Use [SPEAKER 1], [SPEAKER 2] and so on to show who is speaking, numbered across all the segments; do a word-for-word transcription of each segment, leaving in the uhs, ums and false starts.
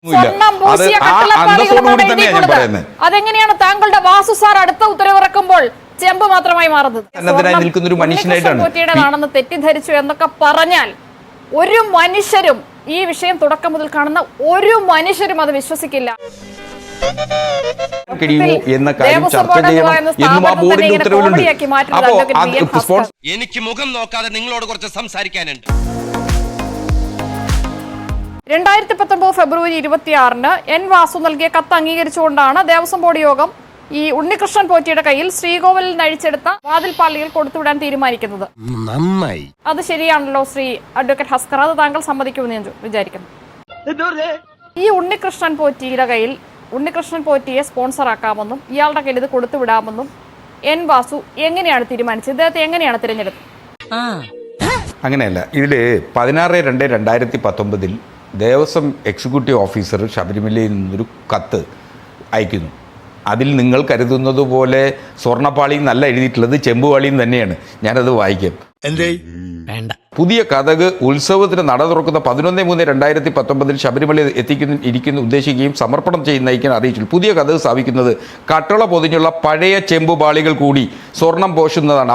[SPEAKER 1] അതെങ്ങനെയാണ് താങ്കളുടെ വാസു സാർ അടുത്ത ഉത്തരവിറക്കുമ്പോൾ ചെമ്പ് മാത്രമായി മാറുന്നത് തെറ്റിദ്ധരിച്ചു എന്നൊക്കെ പറഞ്ഞാൽ ഒരു മനുഷ്യരും ഈ വിഷയം തുടക്കം മുതൽ കാണുന്ന ഒരു മനുഷ്യരും അത് വിശ്വസിക്കില്ല.
[SPEAKER 2] എനിക്ക് മുഖം നോക്കാതെ നിങ്ങളോട് കുറച്ച് സംസാരിക്കാനുണ്ട്.
[SPEAKER 1] രണ്ടായിരത്തി പത്തൊൻപത് ഫെബ്രുവരി ഇരുപത്തിയാറിന് എൻ വാസു നൽകിയ കത്ത് അംഗീകരിച്ചുകൊണ്ടാണ് ദേവസ്വം ബോർഡ് യോഗം ഈ ഉണ്ണികൃഷ്ണൻ പോറ്റിയുടെ കയ്യിൽ ശ്രീകോവിലിൽ നഴിച്ചെടുത്ത വാതിൽപ്പാളികൾ കൊടുത്തുവിടാൻ തീരുമാനിക്കുന്നത്.
[SPEAKER 2] നന്നായി.
[SPEAKER 1] അത് ശരിയാണല്ലോ ശ്രീ അഡ്വക്കേറ്റ് ഹസ്കർ, അത് താങ്കൾ സമ്മതിക്കുമെന്ന് ഞാൻ വിചാരിക്കുന്നു. ഈ ഉണ്ണികൃഷ്ണൻ പോറ്റിയുടെ കയ്യിൽ ഉണ്ണികൃഷ്ണൻ പോറ്റിയെ സ്പോൺസർ ആക്കാമെന്നും ഇയാളുടെ കയ്യിൽ ഇത് കൊടുത്തുവിടാമെന്നും എൻ വാസു എങ്ങനെയാണ് തീരുമാനിച്ചത്? ഇദ്ദേഹത്തെ എങ്ങനെയാണ് തിരഞ്ഞെടുത്തത്?
[SPEAKER 3] അങ്ങനെയല്ല. ഇതില് പതിനാറ് രണ്ട് രണ്ടായിരത്തി പത്തൊമ്പതിൽ ദേവസ്വം എക്സിക്യൂട്ടീവ് ഓഫീസർ ശബരിമലയിൽ നിന്നൊരു കത്ത് അയക്കുന്നു. അതിൽ നിങ്ങൾ കരുതുന്നത് പോലെ സ്വർണ്ണപ്പാളി എന്നല്ല എഴുതിയിട്ടുള്ളത്, ചെമ്പുപാളിയും തന്നെയാണ്. ഞാനത് വായിക്കാം. പുതിയ കഥക് ഉത്സവത്തിന് നട തുറക്കുന്ന പതിനൊന്ന് മൂന്ന് രണ്ടായിരത്തി പത്തൊമ്പതിൽ ശബരിമല എത്തിക്കുന്ന ഇരിക്കുന്ന ഉദ്ദേശിക്കുകയും സമർപ്പണം ചെയ്യുന്നതിന് അറിയിച്ചു. പുതിയ കഥക് സ്ഥാപിക്കുന്നത് കട്ടള പൊതിഞ്ഞുള്ള പഴയ ചെമ്പുപാളികൾ കൂടി സ്വർണം പോഷുന്നതാണ്.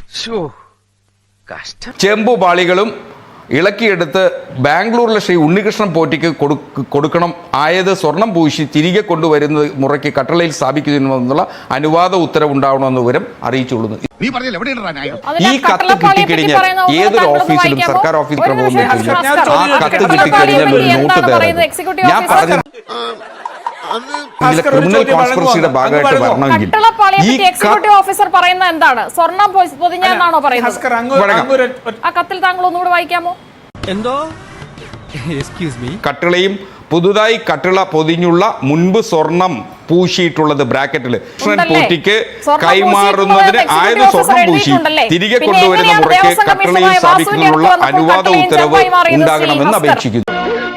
[SPEAKER 3] ചെമ്പുപാളികളും ഇളക്കിയെടുത്ത് ബാംഗ്ലൂരിലെ ശ്രീ ഉണ്ണികൃഷ്ണൻ പോറ്റിക്ക് കൊടുക്കണം. ആയത് സ്വർണം പൂശി തിരികെ കൊണ്ടുവരുന്ന മുറയ്ക്ക് കട്ടളയിൽ സ്ഥാപിക്കുന്നതിനുള്ള അനുവാദ ഉത്തരവുണ്ടാവണമെന്ന് വിവരം അറിയിച്ചുകൊള്ളുന്നു. ഈ കത്ത് കിട്ടിക്കഴിഞ്ഞാൽ ഏതൊരു ഓഫീസിലും സർക്കാർ ഓഫീസിൽ പോകുന്ന കത്ത് കിട്ടിക്കഴിഞ്ഞാൽ ഒരു നോട്ട് തരാം. ഞാൻ പറഞ്ഞു ക്രിമിനൽ കോൺസ്പിറസിയുടെ ഭാഗമായിട്ട് വരണമെങ്കിൽ ഈ
[SPEAKER 1] ഓഫീസർ പറയുന്നത് എന്താണ്? സ്വർണം പൊതിഞ്ഞാണോ പറയുന്നത്? ആ കത്തിൽ താങ്കൾ ഒന്നുകൂടെ വായിക്കാമോ?
[SPEAKER 2] എന്തോ
[SPEAKER 3] കട്ടിളയും പുതുതായി കട്ടിള പൊതിഞ്ഞുള്ള മുൻപ് സ്വർണം പൂശിയിട്ടുള്ളത് ബ്രാക്കറ്റിൽ കൃഷ്ണൻ പോറ്റിക്ക് കൈമാറുന്നതിന് ആയത് സ്വർണം പൂശി തിരികെ കൊണ്ടുവരുന്ന മുറയ്ക്ക് കട്ടിളയിൽ സ്ഥാപിക്കുന്നതിനുള്ള അനുവാദ ഉത്തരവ് ഉണ്ടാകണമെന്ന് അപേക്ഷിക്കുന്നു.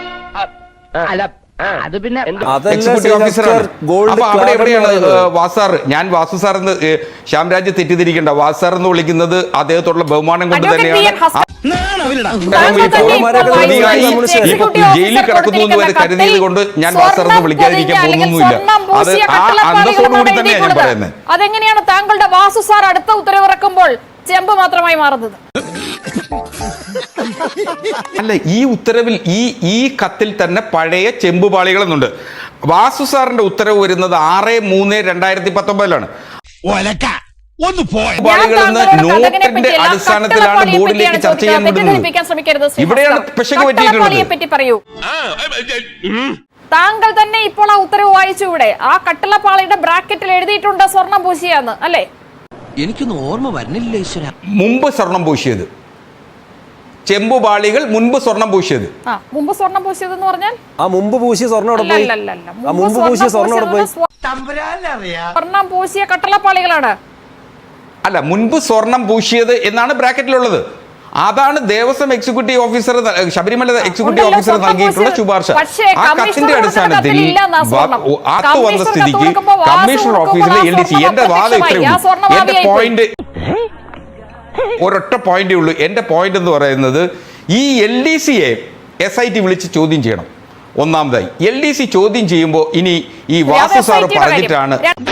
[SPEAKER 3] എക്സിക്യൂട്ടീവ് ഓഫീസറാണ്. അപ്പൊ അവിടെ എവിടെയാണ് വാസാർ? ഞാൻ വാസു സാർ എന്ന് ശ്യാംരാജ് തെറ്റിദ്ധരിക്കേണ്ട. വാസാർ എന്ന് വിളിക്കുന്നത് അദ്ദേഹത്തോടുള്ള ബഹുമാനം കൊണ്ട് തന്നെയാണ്. ജയിലിൽ കിടക്കുന്നു എന്ന് വരെ കരുതിയത് കൊണ്ട് ഞാൻ വാസാർ എന്ന് വിളിക്കാതിരിക്കാൻ പോകുന്നൊന്നുമില്ല. അത് ആ അന്തസ്സോടുകൂടി തന്നെയാണ് ഞാൻ പറയുന്നത്.
[SPEAKER 1] അതെങ്ങനെയാണ് താങ്കളുടെ വാസു സാർ അടുത്ത ഉത്തരവിറക്കുമ്പോൾ ചെമ്പ് മാത്രമായി മാറുന്നത്?
[SPEAKER 3] അല്ല, ഈ ഉത്തരവിൽ ഈ ഈ കത്തിൽ തന്നെ പഴയ ചെമ്പുപാളികൾ എന്നുണ്ട്. വാസു സാറിന്റെ ഉത്തരവ് വരുന്നത് ആറ് മൂന്ന് രണ്ടായിരത്തി പത്തൊമ്പതിലാണ്. നോട്ടിന്റെ അടിസ്ഥാനത്തിലാണ് ബോർഡിലേക്ക് ചർച്ച ചെയ്യാൻ വിടുന്നത്. ഇവിടെയാണ് പെശക് പറ്റിയിട്ടുള്ളത്.
[SPEAKER 1] താങ്കൾ തന്നെ ഇപ്പോൾ ആ ഉത്തരവ് വായിച്ചു. ഇവിടെ ആ കട്ടിളപ്പാളിയുടെ ബ്രാക്കറ്റിൽ എഴുതിയിട്ടുണ്ട് സ്വർണം പൂശിയാന്ന്, അല്ലേ?
[SPEAKER 2] എനിക്കൊന്നും ഓർമ്മ വരുന്നില്ല ഈശ്വര.
[SPEAKER 3] മുമ്പ് സ്വർണം പൂശിയത് ചെമ്പുപാളികൾ, മുൻപ് സ്വർണം പൂശിയത്.
[SPEAKER 1] മുമ്പ് സ്വർണം പൂശിയത് എന്ന് പറഞ്ഞാൽ
[SPEAKER 4] ആ മുമ്പ് പൂശിയ സ്വർണം അവിടെ പോയി. ആ മുമ്പ് പൂശിയ സ്വർണം അവിടെ പോയി.
[SPEAKER 1] സ്വർണം പൂശിയ കട്ടളപ്പാളികളാണ്.
[SPEAKER 3] അല്ല, മുൻപ് സ്വർണം പൂശിയത് എന്നാണ് ബ്രാക്കറ്റിലുള്ളത്. അതാണ് Devaswom executive officer Sabarimala executive officer നൽകിയിട്ടുള്ള ശുപാർശ. ആ കത്തിന്റെ അടിസ്ഥാനത്തിൽ ആത്ത് വന്ന സ്ഥിതിക്ക് കമ്മീഷണർ ഓഫീസിലെ എൽ ഡി സി എന്റെ വാദം ഇത്രയേ ഉള്ളൂ. എന്റെ പോയിന്റ് ഒരൊറ്റ പോയിന്റേ ഉള്ളൂ. എന്റെ പോയിന്റ് എന്ന് പറയുന്നത് ഈ എൽ ഡി സിയെ എസ് ഐ ടി വിളിച്ച് ചോദ്യം ചെയ്യണം. ഒന്നാമതായി എൽ ഡി സി ചോദ്യം ചെയ്യുമ്പോൾ ഇനി ഈ വാസു സാറ് പറഞ്ഞിട്ടാണ്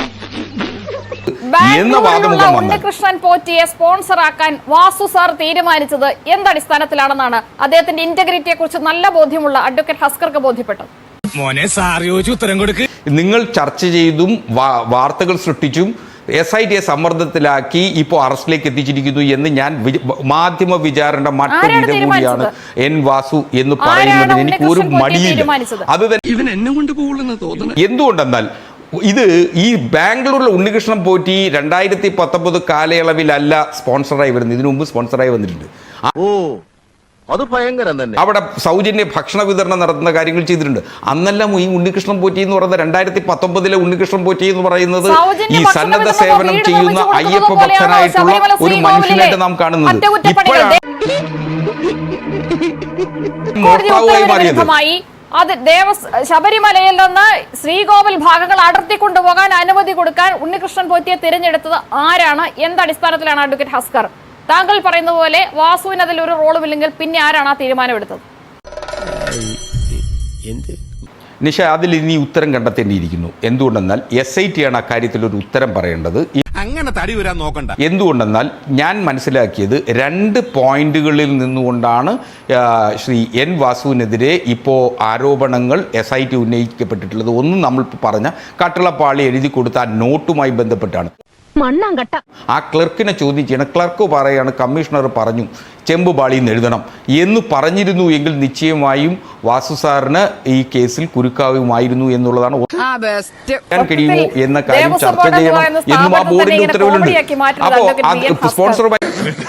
[SPEAKER 1] ഉണ്ണികൃഷ്ണൻ പോറ്റിയെ സ്പോൺസർ ആക്കാൻ വാസു സാർ തീരുമാനിച്ചത് എന്തടിസ്ഥാനത്തിലാണെന്നാണ് അദ്ദേഹത്തിന്റെ ഇന്റഗ്രിറ്റിയെ കുറിച്ച് നല്ല ബോധ്യമുള്ള അഡ്വക്കേറ്റ് ഹസ്കർക്ക് ബോധ്യപ്പെട്ടത്.
[SPEAKER 3] നിങ്ങൾ ചർച്ച ചെയ്തും വാർത്തകൾ സൃഷ്ടിച്ചും എസ് ഐ ടിയെ സമ്മർദ്ദത്തിലാക്കി ഇപ്പോൾ അറസ്റ്റിലേക്ക് എത്തിച്ചിരിക്കുന്നു എന്ന് ഞാൻ മാധ്യമ വിചാരണ മറ്റൊരു വിധ കൂടിയാണ് എൻ വാസു എന്ന് പറയുന്നതിന് എനിക്ക് ഒരു മടിയില്ല. അത് തന്നെ എന്തുകൊണ്ടെന്നാൽ ഇത് ഈ ബാംഗ്ലൂരിലെ ഉണ്ണികൃഷ്ണൻ പോറ്റി രണ്ടായിരത്തി പത്തൊമ്പത് കാലയളവിലല്ല സ്പോൺസറായി വരുന്നത്, ഇതിനു മുമ്പ് സ്പോൺസറായി വന്നിട്ടുണ്ട്.
[SPEAKER 5] അത് ഭയങ്കരം തന്നെ.
[SPEAKER 3] അവിടെ സൗജന്യ ഭക്ഷണ വിതരണം നടത്തുന്ന കാര്യങ്ങൾ ചെയ്തിട്ടുണ്ട്. അന്നെല്ലാം ഈ ഉണ്ണികൃഷ്ണൻ പോറ്റി എന്ന് പറയുന്നത് രണ്ടായിരത്തി പത്തൊമ്പതിലെ ഉണ്ണികൃഷ്ണൻ പോറ്റി എന്ന് പറയുന്നത് ഈ സന്നദ്ധ സേവനം ചെയ്യുന്ന അയ്യപ്പ ഭക്തനായിട്ടുള്ള ഒരു മനുഷ്യനായിട്ട് നാം കാണുന്നത്. ഇപ്പോഴാണ് മോഷ്ടാവായി മാറിയത്.
[SPEAKER 1] അത് ദേവസ് ശബരിമലയിൽ നിന്ന് ശ്രീകോവിൽ ഭാഗങ്ങൾ അടർത്തി കൊണ്ടുപോകാൻ അനുമതി കൊടുക്കാൻ ഉണ്ണികൃഷ്ണൻ പോറ്റിയെ തിരഞ്ഞെടുത്തത് ആരാണ്? എന്തടിസ്ഥാനത്തിലാണ് അഡ്വക്കേറ്റ് ഹസ്കർ? താങ്കൾ പറയുന്ന പോലെ വാസുവിന് അതിൽ ഒരു റോളുമില്ലെങ്കിൽ പിന്നെ ആരാണ് ആ തീരുമാനം എടുത്തത്?
[SPEAKER 3] നിഷ അതിൽ ഇനി ഉത്തരം കണ്ടെത്തേണ്ടിയിരിക്കുന്നു. എന്തുകൊണ്ടെന്നാൽ എസ് ഐ ടി ആണ് അക്കാര്യത്തിൽ ഒരു ഉത്തരം പറയേണ്ടത്.
[SPEAKER 2] അങ്ങനെ തടി വരാൻ നോക്കണ്ട.
[SPEAKER 3] എന്തുകൊണ്ടെന്നാൽ ഞാൻ മനസ്സിലാക്കിയത് രണ്ട് പോയിന്റുകളിൽ നിന്നുകൊണ്ടാണ് ശ്രീ എൻ വാസുവിനെതിരെ ഇപ്പോൾ ആരോപണങ്ങൾ എസ് ഐ ടി ഉന്നയിക്കപ്പെട്ടിട്ടുള്ളത്. ഒന്ന് നമ്മൾ പറഞ്ഞ കട്ടളപ്പാളി എഴുതി കൊടുത്ത ആ നോട്ടുമായി ബന്ധപ്പെട്ടാണ്. ആ ക്ലർക്കിനെ ചോദ്യം ചെയ്യണം. ക്ലർക്ക് പറയാണ് കമ്മീഷണർ പറഞ്ഞു ചെമ്പ് പാളിന്ന് എഴുതണം എന്ന് പറഞ്ഞിരുന്നു എങ്കിൽ നിശ്ചയമായും വാസു സാറിന് ഈ കേസിൽ കുരുക്കാവുമായിരുന്നു എന്നുള്ളതാണ്. കഴിയുമോ എന്ന കാര്യം ചർച്ച ചെയ്യണം എന്നും ആ ബോർഡിന്റെ ഉത്തരവിലുണ്ട്. അപ്പോൾ സ്പോൺസറുമായി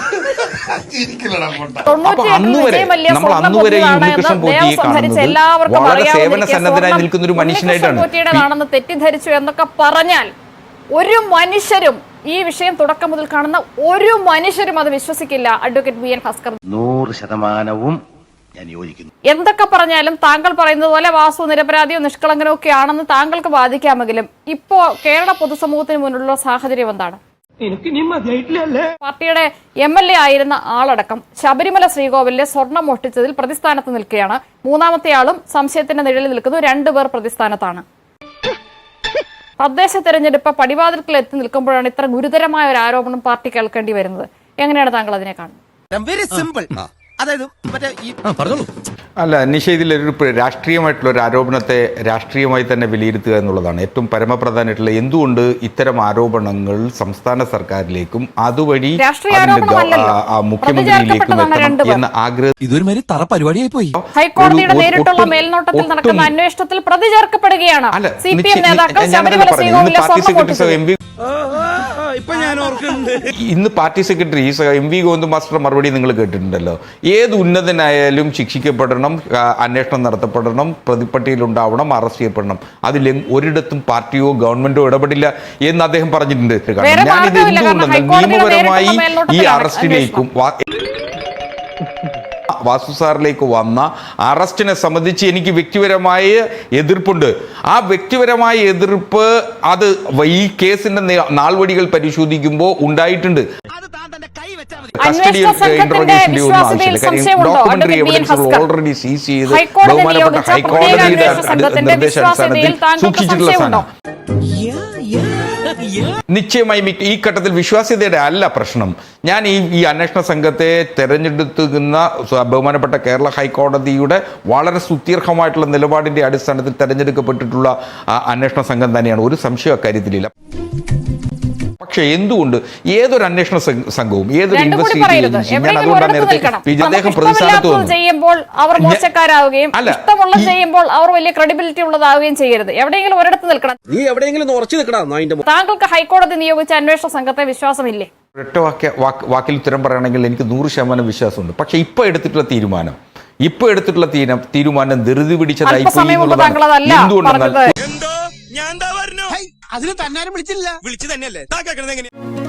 [SPEAKER 3] അപ്പൊ അന്ന് വരെ നമ്മൾ അന്ന് വരെ ഈ ഉണ്ണികൃഷ്ണൻ പോറ്റിയെ കാണുന്നത് വളരെ സേവന സന്നദ്ധനായി നിൽക്കുന്ന ഒരു മനുഷ്യനായിട്ടാണ്.
[SPEAKER 1] തെറ്റിദ്ധരിച്ചു എന്നൊക്കെ പറഞ്ഞാൽ ഒരു മനുഷ്യരും ഈ വിഷയം തുടക്കം മുതൽ കാണുന്ന ഒരു മനുഷ്യരും അത് വിശ്വസിക്കില്ല. അഡ്വക്കേറ്റ് വി എൻ ഭാസ്കർ
[SPEAKER 5] നൂറ് ശതമാനവും ഞാൻ യോജിക്കുന്നു.
[SPEAKER 1] എന്തൊക്കെ പറഞ്ഞാലും താങ്കൾ പറയുന്നത് പോലെ വാസു നിരപരാധിയോ നിഷ്കളങ്കനോ ഒക്കെ ആണെന്ന് താങ്കൾക്ക് വാദിക്കാമെങ്കിലും ഇപ്പോ കേരള പൊതുസമൂഹത്തിന് മുന്നിലുള്ള സാഹചര്യം എന്താണ്? പാർട്ടിയുടെ എം എൽ എ ആയിരുന്ന ആളടക്കം ശബരിമല ശ്രീകോവിലിലെ സ്വർണം മോഷ്ടിച്ചതിൽ പ്രതിസ്ഥാനത്ത് നിൽക്കുകയാണ്. മൂന്നാമത്തെ ആളും സംശയത്തിന്റെ നിഴലിൽ നിൽക്കുന്നു. രണ്ടുപേർ പ്രതിസ്ഥാനത്താണ്. തദ്ദേശ തെരഞ്ഞെടുപ്പ് പടിവാതിൽക്കൽ എത്തി നിൽക്കുമ്പോഴാണ് ഇത്ര ഗുരുതരമായ ഒരു ആരോപണം പാർട്ടി കേൾക്കേണ്ടി വരുന്നത്. എങ്ങനെയാണ് താങ്കൾ അതിനെ കാണുന്നത്?
[SPEAKER 2] Very simple. അതായത്
[SPEAKER 3] അല്ല നിഷ, ഇതിലൊരു രാഷ്ട്രീയമായിട്ടുള്ള ഒരു ആരോപണത്തെ രാഷ്ട്രീയമായി തന്നെ വിലയിരുത്തുക എന്നുള്ളതാണ് ഏറ്റവും പരമപ്രധാനമായിട്ടുള്ള. എന്തുകൊണ്ട് ഇത്തരം ആരോപണങ്ങൾ സംസ്ഥാന സർക്കാരിലേക്കും അതുവഴി മുഖ്യമന്ത്രിയിലേക്കും എത്തണം എന്ന ആഗ്രഹം
[SPEAKER 4] ഇതൊരു മാതിരി തറ പരിപാടിയായി പോയി.
[SPEAKER 1] ഹൈക്കോടതിയുടെ നേരിട്ടുള്ള മേൽനോട്ടത്തിൽ നടക്കുന്ന അന്വേഷണത്തിൽ പ്രതി ചേർക്കപ്പെടുകയാണ്. സി പി എം നേതാക്കൾ ശബരിമല ശ്രീകോവിലിലെ സ്വർണം മോഷ്ടിച്ചത്.
[SPEAKER 3] ഇന്ന് party secretary M V Govinda master മറുപടി നിങ്ങൾ കേട്ടിട്ടുണ്ടല്ലോ. ഏത് ഉന്നതനായാലും ശിക്ഷിക്കപ്പെടണം, അന്വേഷണം നടത്തപ്പെടണം, പ്രതിപ്പട്ടികയിലുണ്ടാവണം, അറസ്റ്റ് ചെയ്യപ്പെടണം. അതിൽ ഒരിടത്തും പാർട്ടിയോ ഗവൺമെന്റോ ഇടപെടില്ല എന്ന് അദ്ദേഹം പറഞ്ഞിട്ടുണ്ട്. ഞാനിത് എന്തുകൊണ്ടെന്നാൽ നിയമപരമായി ഈ അറസ്റ്റിലേക്കും വാസു സാറിലേക്ക് വന്ന അറസ്റ്റിനെ സംബന്ധിച്ച് എനിക്ക് വ്യക്തിപരമായ എതിർപ്പുണ്ട്. ആ വ്യക്തിപരമായ എതിർപ്പ് അത് ഈ കേസിന്റെ നാൾവഴികൾ പരിശോധിക്കുമ്പോൾ ഉണ്ടായിട്ടുണ്ട്. കസ്റ്റഡി ഇന്ററോഗേഷന്റെ ഒന്നും ആവശ്യമില്ല. കാര്യം ഡോക്യുമെന്ററി എവിഡൻസ് ഓൾറെഡി സീസ് ചെയ്ത് ബഹുമാനപ്പെട്ട ഹൈക്കോടതിയുടെ നിർദ്ദേശാടിസ്ഥാനത്തിൽ സൂക്ഷിച്ചിട്ടുള്ള സാധനം. നിശ്ചയമായും ഈ ഘട്ടത്തിൽ വിശ്വാസ്യതയുടെ അല്ല പ്രശ്നം. ഞാൻ ഈ ഈ അന്വേഷണ സംഘത്തെ തെരഞ്ഞെടുക്കുന്ന ബഹുമാനപ്പെട്ട കേരള ഹൈക്കോടതിയുടെ വളരെ സുദീർഘമായിട്ടുള്ള നിലപാടിന്റെ അടിസ്ഥാനത്തിൽ തെരഞ്ഞെടുക്കപ്പെട്ടിട്ടുള്ള അന്വേഷണ സംഘം തന്നെയാണ്. ഒരു സംശയം അക്കാര്യത്തിലില്ല. പക്ഷെ എന്തുകൊണ്ട് ഏതൊരു അന്വേഷണ സംഘവും ഏതൊരു ഇൻവെസ്റ്റിഗേഷൻ ഞാൻ അതുകൊണ്ടാണ് നേരത്തെ അദ്ദേഹം പ്രതിസ്ഥാനത്ത്
[SPEAKER 1] ചെയ്യുമ്പോൾ അവർ മോശക്കാരാവുകയും ഇഷ്ടമുള്ള ചെയ്യുമ്പോൾ അവർ വലിയ ക്രെഡിബിലിറ്റി ഉള്ളതാവുകയും ചെയ്യരുത്. എവിടെയെങ്കിലും ഒരിടത്ത് നിൽക്കണം.
[SPEAKER 4] നീ എവിടെയെങ്കിലും ഉറച്ചു നിൽക്കണം.
[SPEAKER 1] താങ്കൾക്ക് ഹൈക്കോടതി നിയോഗിച്ച അന്വേഷണ സംഘത്തെ വിശ്വാസമില്ലേ?
[SPEAKER 3] ഒറ്റ വാക്യ വാക്കിൽ ഉത്തരം പറയുകയാണെങ്കിൽ എനിക്ക് നൂറ് ശതമാനം വിശ്വാസമുണ്ട്. പക്ഷെ ഇപ്പൊ എടുത്തിട്ടുള്ള തീരുമാനം ഇപ്പൊ എടുത്തിട്ടുള്ള തീരുമാനം ധൃതി പിടിച്ചതായി എന്തുകൊണ്ടെന്നാൽ
[SPEAKER 2] അതിന് തന്നാരും വിളിച്ചില്ല. വിളിച്ചു തന്നെയല്ലേ.